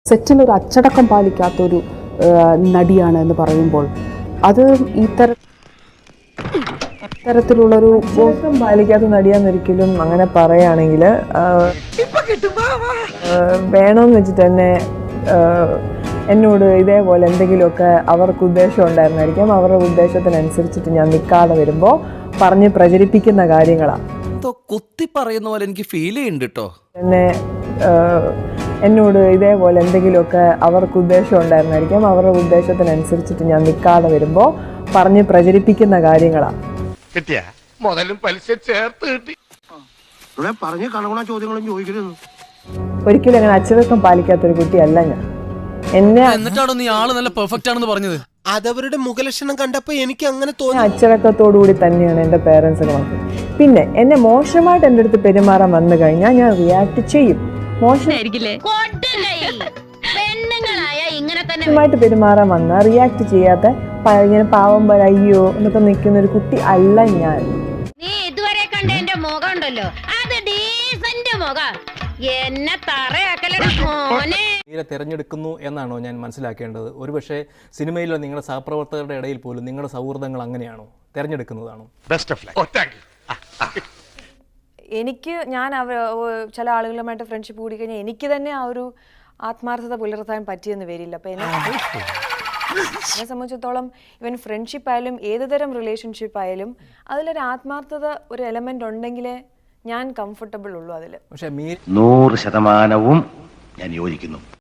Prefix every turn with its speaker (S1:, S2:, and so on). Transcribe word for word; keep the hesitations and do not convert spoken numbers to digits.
S1: സെറ്റിലൊരു അച്ചടക്കം പാലിക്കാത്തൊരു നടിയാണ് എന്ന് പറയുമ്പോൾ അത് ഈ തര തരത്തിലുള്ളൊരു
S2: അച്ചടക്കം പാലിക്കാത്ത നടിയാന്നൊരിക്കലും അങ്ങനെ പറയുകയാണെങ്കിൽ വേണമെന്ന് വെച്ചിട്ട് തന്നെ എന്നോട് ഇതേപോലെ എന്തെങ്കിലുമൊക്കെ അവർക്ക് ഉദ്ദേശം ഉണ്ടായിരുന്നായിരിക്കാം. അവരുടെ ഉദ്ദേശത്തിനനുസരിച്ചിട്ട് ഞാൻ നിൽക്കാതെ വരുമ്പോൾ പറഞ്ഞ് പ്രചരിപ്പിക്കുന്ന കാര്യങ്ങളാണ്.
S3: കുത്തി പറയുന്ന പോലെ എനിക്ക് ഫീൽ ചെയ്യുന്നുണ്ട് കേട്ടോ.
S2: എന്നെ എന്നോട് ഇതേപോലെ എന്തെങ്കിലുമൊക്കെ അവർക്ക് ഉദ്ദേശം ഉണ്ടായിരുന്നായിരിക്കാം. അവരുടെ ഉദ്ദേശത്തിനനുസരിച്ചിട്ട് ഞാൻ നിൽക്കാതെ വരുമ്പോൾ പറഞ്ഞ് പ്രചരിപ്പിക്കുന്ന കാര്യങ്ങളാണ്. ഒരിക്കലും അങ്ങനെ അച്ചടക്കം പാലിക്കാത്തൊരു കുട്ടിയല്ല ഞാൻ. എന്നെ
S3: എന്നിട്ടാണോ നീ ആള് നല്ല പെർഫെക്റ്റ് ആണെന്ന് പറഞ്ഞത്?
S4: അതവരുടെ മുഖലക്ഷണം കണ്ടപ്പോ എനിക്ക് അങ്ങനെ തോന്നി.
S2: അച്ചടക്കത്തോടു കൂടി തന്നെയാണ് എൻ്റെ പേരൻസ് ഒക്കെ. പിന്നെ എന്നെ മോശമായിട്ട് എൻ്റെ അടുത്ത് പെരുമാറാൻ വന്നു കഴിഞ്ഞാൽ ഞാൻ റിയാക്ട് ചെയ്യും. മോശമായിട്ട് പെരുമാറാൻ വന്നാൽ റിയാക്ട് ചെയ്യാത്ത ഇങ്ങനെ പാവം പോലെ അയ്യോ എന്നൊക്കെ നിൽക്കുന്ന ഒരു കുട്ടി അല്ല ഞാൻ.
S5: നീ ഇതുവരെ കണ്ട എന്റെ മുഖം ഉണ്ടല്ലോ, അത് ഡീസന്റ് മുഖം. എന്നെ തറയാക്കലേ
S6: തിരഞ്ഞെടുക്കുന്നു എന്നാണോ ഞാൻ മനസ്സിലാക്കേണ്ടത്? ഒരുപക്ഷെ സിനിമയിലെ നിങ്ങളുടെ സഹപ്രവർത്തകരുടെ ഇടയിൽ പോലും നിങ്ങളുടെ സൗഹൃദങ്ങൾ അങ്ങനെയാണോ, തിരഞ്ഞെടുക്കുന്നതാണോ?
S7: എനിക്ക് ഞാൻ അവർ ചില ആളുകളുമായിട്ട് ഫ്രണ്ട്ഷിപ്പ് കൂടി കഴിഞ്ഞാൽ എനിക്ക് തന്നെ ആ ഒരു ആത്മാർത്ഥത പുലർത്താൻ പറ്റിയെന്ന് വരില്ല. അപ്പം എന്നെ എന്നെ സംബന്ധിച്ചിടത്തോളം ഇവൻ ഫ്രണ്ട്ഷിപ്പ് ആയാലും ഏത് തരം റിലേഷൻഷിപ്പ് ആയാലും അതിലൊരു ആത്മാർത്ഥത ഒരു എലമെന്റ് ഉണ്ടെങ്കിലേ ഞാൻ കംഫർട്ടബിൾ ഉള്ളൂ അതിൽ.
S6: പക്ഷേ
S8: നൂറ് ശതമാനവും ഞാൻ യോജിക്കുന്നു.